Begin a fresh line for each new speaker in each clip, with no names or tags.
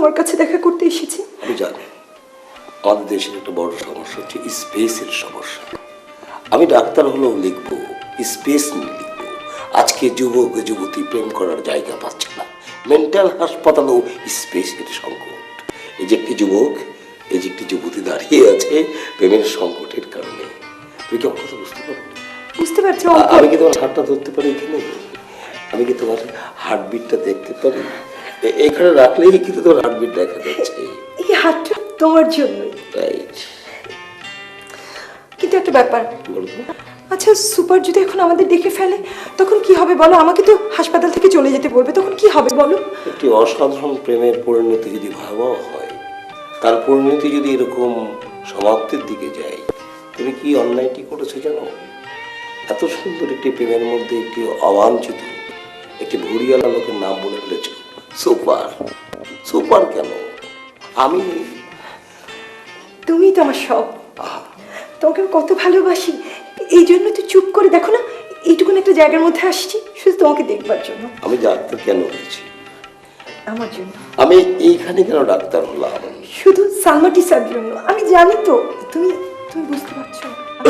তোমার কাছে দেখা করতে এসেছি।
আমি জানি আমাদের দেশের একটা বড় সমস্যা হচ্ছে স্পেসের সমস্যা। আমি ডাক্তার হলেও লিখবো, স্পেস নিয়ে লিখবো। আজকে যুবক যুবতী প্রেম করার জায়গা পাচ্ছে না, মেন্টাল হাসপাতালেও স্পেসের সংকট। এই যে একটি যুবক, এই যে একটি যুবতী দাঁড়িয়ে আছে প্রেমের সংকটের কারণে। তুমি কি আমার কথা বুঝতে পারো?
বুঝতে পারছি।
আমি কি তোমার হাতটা ধরতে পারি এখানে? আমি কি তোমার হার্টবিটটা দেখতে পারি? এখানে রাখলেই কিন্তু তোমার হার্টবিট দেখা যাচ্ছে।
এই হাতটা তোমার জন্যই।
রাইট।
কিন্তু একটা ব্যাপার, আচ্ছা সুপার যদি এখন আমাদের দেখে ফেলে তখন কি হবে বলো? আমাকে তো হাসপাতাল থেকে চলে যেতে বলবে, তখন কি হবে বলো?
একটি অসাধারণ প্রেমের পরিণতি যদি ভয়াবহ হয়, তার পরিণতি যদি এরকম সমাপ্তির দিকে যায়, তুমি কি অন্যায়টি করেছো জানো? এত সুন্দর একটি প্রেমের মধ্যে একটি অবাঞ্ছিত একটি ভুড়িয়ালা লোকের নাম বলে ফেলেছ। সুপার। সুপার কেন? আমি।
তুমি তো আমার সব। তোমাকে আমি কত ভালোবাসি, এই জন্য তো চুপ করে দেখো না এইটুকুন একটা জায়গার মধ্যে আসছি শুধু তোমাকে দেখবার জন্য।
আমি ডাক্তার কেন হয়েছি?
আমার জন্য।
আমি এইখানে কেন ডাক্তার হলাম?
শুধু সালমাটিসার জন্য। আমি জানি তো তুমি তুমি বুঝতে পারছো।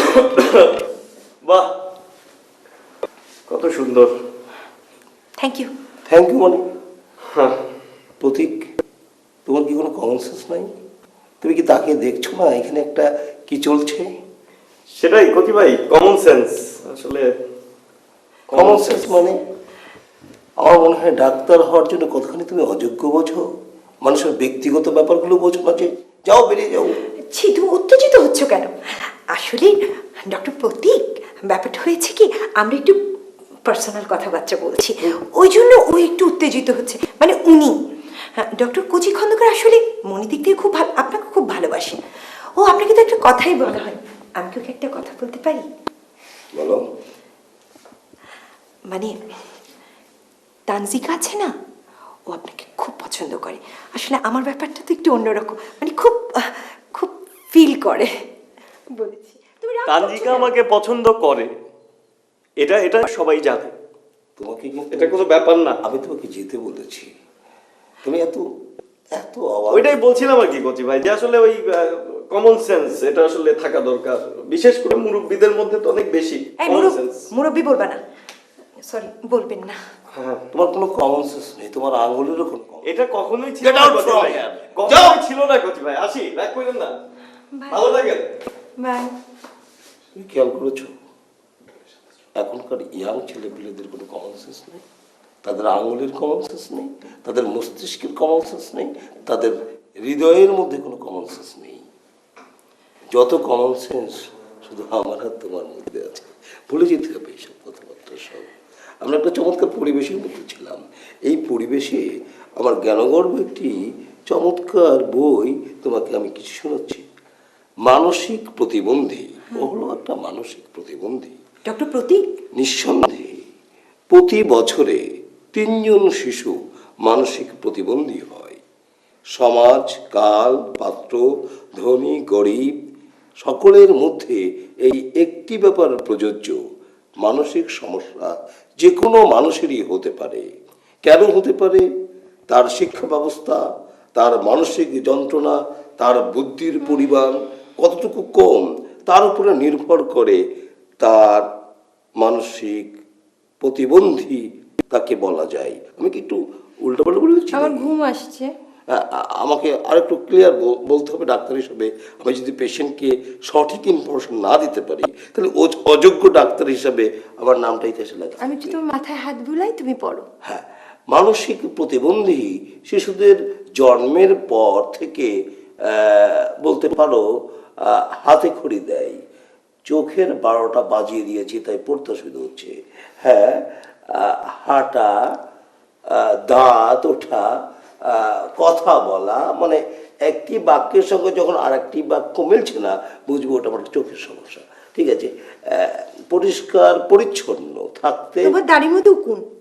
বাহ, কত সুন্দর।
Thank you.
থ্যাংক ইউ মানে? প্রতীক, তোমার কি কোনো কমন সেন্স নাই? তুমি কি তাকে দেখছো না এখানে একটা কি চলছে?
সেটাই কতি ভাই, কমন সেন্স। আসলে
কমন সেন্স মানে আমার মনে হয় ডাক্তার হওয়ার জন্য কতখানি তুমি অযোগ্য বোঝো, মানুষের ব্যক্তিগত ব্যাপারগুলো বোঝো না। যে যাও, বেরিয়ে যাও।
ছি, তুমি উত্তেজিত হচ্ছ কেন? আসলে ডক্টর প্রতীক, ব্যাপারটা হয়েছে কি, আমরা একটু পার্সোনাল কথাবার্তা বলছি, ওই জন্য ও একটু উত্তেজিত হচ্ছে। মানে উনি ডক্টর কচি খন্দকার আসলে মনে দিক থেকে খুব ভালো, আপনাকে খুব ভালোবাসেন। ও আপনাকে তো একটা কথাই বলা হয়। আমি কি ওকে একটা কথা বলতে পারি?
বলো।
মানে তানজিকা আছে না, ও আপনাকে খুব পছন্দ করে। আসলে আমার ব্যাপারটা তো একটু অন্যরকম, মানে খুব খুব ফিল করে বলেছি। তুমি রাগ করছো
তানজিকা
কেন?
আমাকে পছন্দ করে, এটা এটা সবাই জানে।
তোমাকে কিন্তু
এটা কোনো ব্যাপার না।
আমি তোমাকে যেতে বলেছি, তুমি এত এত অবাক।
ওইটাই বলছিলাম আর কি কচি ভাই, যে আসলে ওই কমন সেন্স এটা আসলে থাকা দরকার, বিশেষ করে মুরব্বীদের মধ্যে তো অনেক বেশি
এই
কমন সেন্স।
মুরব্বি বলবা না, সরি বলবেন না।
তোমার কোনো কমন সেন্স নেই, তোমার আঙুলেরও কোনো common-
এটা কখনোই ছিল
Get
না
out
কচি
from
ভাই।
here.
কখনোই ছিল না কচি ভাই। আসি, রাগ করেন না, ভালো লাগে।
বাই।
তুমি খেয়াল করেছো এখনকার ইয়াং ছেলেপিলেদের কোনো কমন সেন্স নেই, তাদের আঙুলের কমন সেন্স নেই, তাদের মস্তিষ্কের কমন সেন্স নেই, তাদের হৃদয়ের মধ্যে কোনো কমন সেন্স নেই। যত কমন সেন্স শুধু আমার আর তোমার মধ্যে আছে। ভুলে যেতে হবে এইসব কথাবার্তা সব। আমরা একটা চমৎকার পরিবেশের মধ্যে ছিলাম। এই পরিবেশে আমার জ্ঞানগর্ভ একটি চমৎকার বই তোমাকে আমি কিছু শোনাচ্ছি। মানসিক প্রতিবন্ধী। ও হলো একটা মানসিক প্রতিবন্ধী।
ডক্টর প্রতীক,
নিঃসন্দেহে প্রতি বছরে 3 জন শিশু মানসিক প্রতিবন্ধী হয়। সমাজ, কাল, পাত্র, ধনী, গরিব সকলের মধ্যে এই একটি ব্যাপার প্রযোজ্য, মানসিক সমস্যা যে কোনো মানুষেরই হতে পারে। কেন হতে পারে? তার শিক্ষা ব্যবস্থা, তার মানসিক যন্ত্রণা, তার বুদ্ধির পরিমাণ কতটুকু কম, তার উপরে নির্ভর করে তার মানসিক প্রতিবন্ধী তাকে বলা যায়। আমি কি একটু উল্টাপাল্টা বলেছি?
আমার ঘুম আসছে।
আমাকে আরেকটু ক্লিয়ার বলতে হবে ডাক্তার হিসেবে। আমি যদি পেশেন্টকে সঠিক ইনফরমেশন না দিতে পারি তাহলে অযোগ্য ডাক্তার হিসাবে আমার নামটা ইতিহাসে লাগে।
আমি যদি তোমার মাথায় হাত বুলাই তুমি পড়ো।
হ্যাঁ, মানসিক প্রতিবন্ধী শিশুদের জন্মের পর থেকে বলতে পারো হাতে খড়ি দেয়। চোখের 12টা বাজিয়ে দিয়েছি তাই পড়তে অসুবিধা হচ্ছে। হ্যাঁ, হাঁটা, দাঁত ওঠা, কথা বলা, মানে একটি বাক্যের সঙ্গে যখন আর একটি বাক্য মিলছে না বুঝবো ওটা আমার চোখের সমস্যা। ঠিক আছে, পরিষ্কার পরিচ্ছন্ন থাকতে।
তোমার দাড়ির মধ্যে উকুন।